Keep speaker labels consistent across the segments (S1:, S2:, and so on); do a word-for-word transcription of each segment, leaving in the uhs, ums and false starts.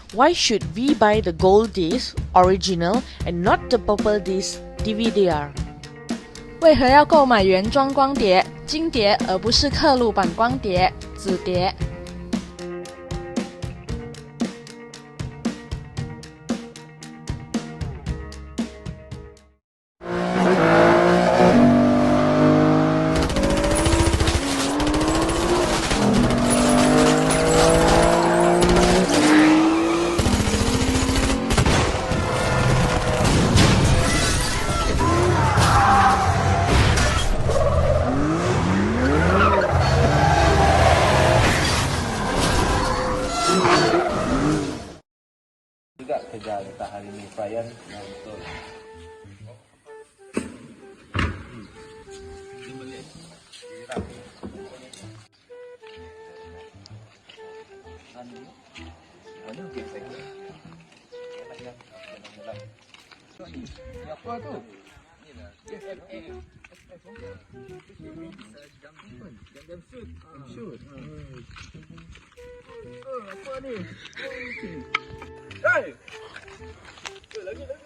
S1: Why should we buy the gold disc original and not the purple disc D V D R?
S2: 为何要购买原装光碟、金碟，而不是刻录版光碟、紫碟？
S3: Juga kerja letak hari ni Ryan yang betul. Apa tu? Jam shoot. Shoot. Oh, apa ni? Hey! Lagi lagi.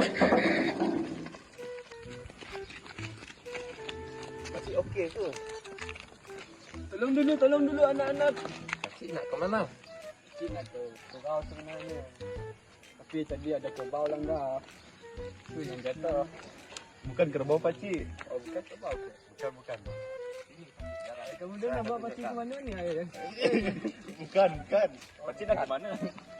S3: Masih okey tu. Tolong dulu, tolong dulu anak-anak. Pakcik nak ke mana? Pakcik nak ke Kerbau sebenarnya. Tapi tadi ada kerbau langgar. Tu yang jatuh. Bukan kerbau pakcik. Oh, bukan kerbau ke? Bukan, bukan. Ini pakcik. Kamu dah nak bawa pakcik ke mana ni, ayah? Bukan, bukan. Pakcik nak ke mana?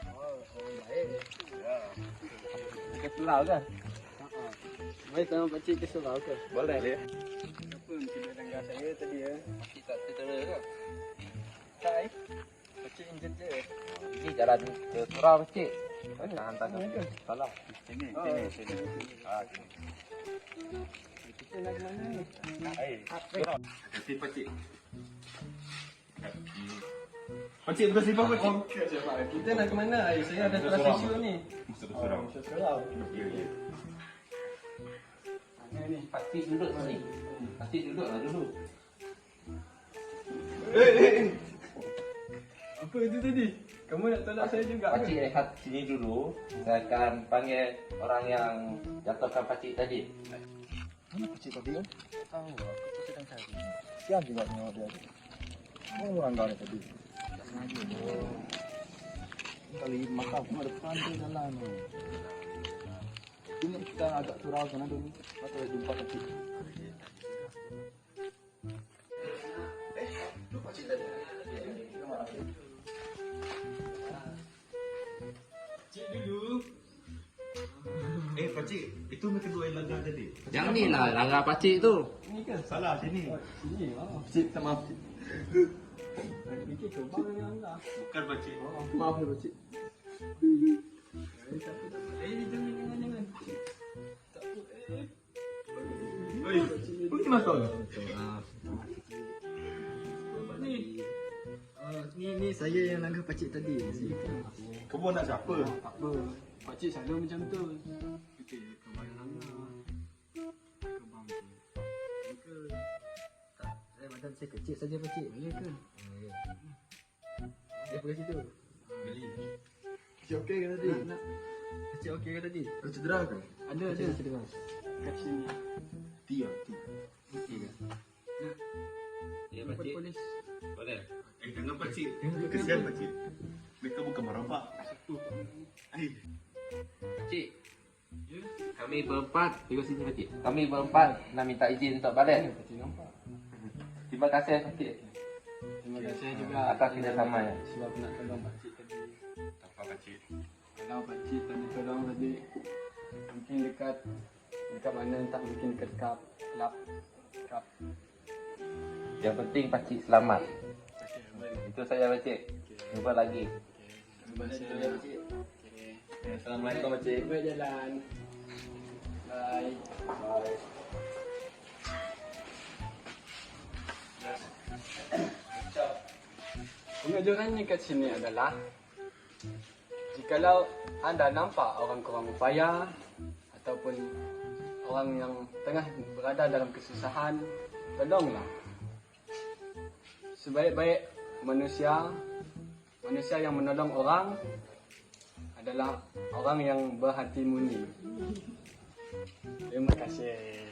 S3: Ke Selau kan? Haa. Baik sama pakcik ke Selau ke? Boleh dia. Kenapa mesti dia langgar saya tadi ya? Pakcik tak tertera ke? Tak eh? Pakcik enjin je. Ini jalan ke Surau pakcik. Mana hantar ke? Salah. Sini, sini, sini. Haa, sini. Kita nak ke mana ni? Eh, Surau. Kasih pakcik. Pakcik bukan simpang pakcik. Okey je pak. Kita nak ke mana? Saya ada kelas isu ni. Musa Surau. Musa Surau. Ya ya. Mana ni? Pakcik duduk sini. Pakcik duduklah dulu. Eh eh. Apa itu tadi? Kamu nak tolak saya juga ke? Pakcik rehat sini dulu. Saya akan panggil orang yang jatuhkan pakcik tadi. Mana pakcik tadi kan? Tahu, aku tu sedang cari. Siap juga tengok dia. Oh, orang kau tadi. Sengaja. Oh. Kali makan pun ada pantai jalan tu. Ini kita agak surau sana dulu. Patut jumpa pakcik. Eh, tu pakcik tadi. Terima kasih. Cik dulu. Eh, pakcik, itu mereka dua yang langgar tadi.
S4: Yang ni lah langgar pakcik tu.
S3: Ini kan salah sini. Sini. Oh, pakcik, maaf. Fikir kerbau yang langgar. Bukan pakcik. Oh, maaf ya pakcik. Eh, tak apa, tak apa. Eh, jangan, jangan, jangan. Tak apa, eh. Oi, ini masuk ke?
S4: Ah,
S3: Apa ni? Uh, ni, ni saya yang langgar pakcik tadi. Kamu nak siapa? Tak apa. Pakcik selalu macam tu. Fikir kerbau yang langgar. Kerbau tu. Ke? Tak, saya badan saya kecil saja pakcik. Boleh ke? Dia pergi situ. Beli. Pakcik okey ke tadi? Nak, nak. Pakcik okey ke tadi? Kau cedera ke? Ada, ada. Cedera. Kat sini. Tiga, tiga. Okey ke? Nak.
S4: ya pakcik.
S3: Polis.
S4: Boleh.
S5: Eh, jangan pakcik. Kesian pakcik. Mereka bukan merabak. Eh,
S4: Pakcik,
S3: Ya?
S4: kami berempat. Tengok sini pakcik. Kami berempat nak minta izin untuk balik.
S3: Pakcik nampak.
S4: Terima kasih pakcik.
S3: Terima kasih juga
S4: atas kerjasamanya.
S3: sebab nak tolong pakcik tadi.
S5: tak apa pakcik.
S3: Kalau pakcik tadi tolong tadi, mungkin dekat dekat mana entah mungkin dekat kap kelab kap.
S4: Yang penting pakcik selamat.
S3: Okey, baik.
S4: Itu saja pakcik. Jumpa lagi.
S3: Terima kasih pakcik. Okey.
S4: Assalamualaikum pakcik.
S3: Baik jalan. Bye. Bye. Pengajarannya kat sini adalah jikalau anda nampak orang kurang upaya ataupun orang yang tengah berada dalam kesusahan, tolonglah. Sebaik-baik manusia, manusia yang menolong orang
S6: adalah orang yang berhati murni. Terima kasih.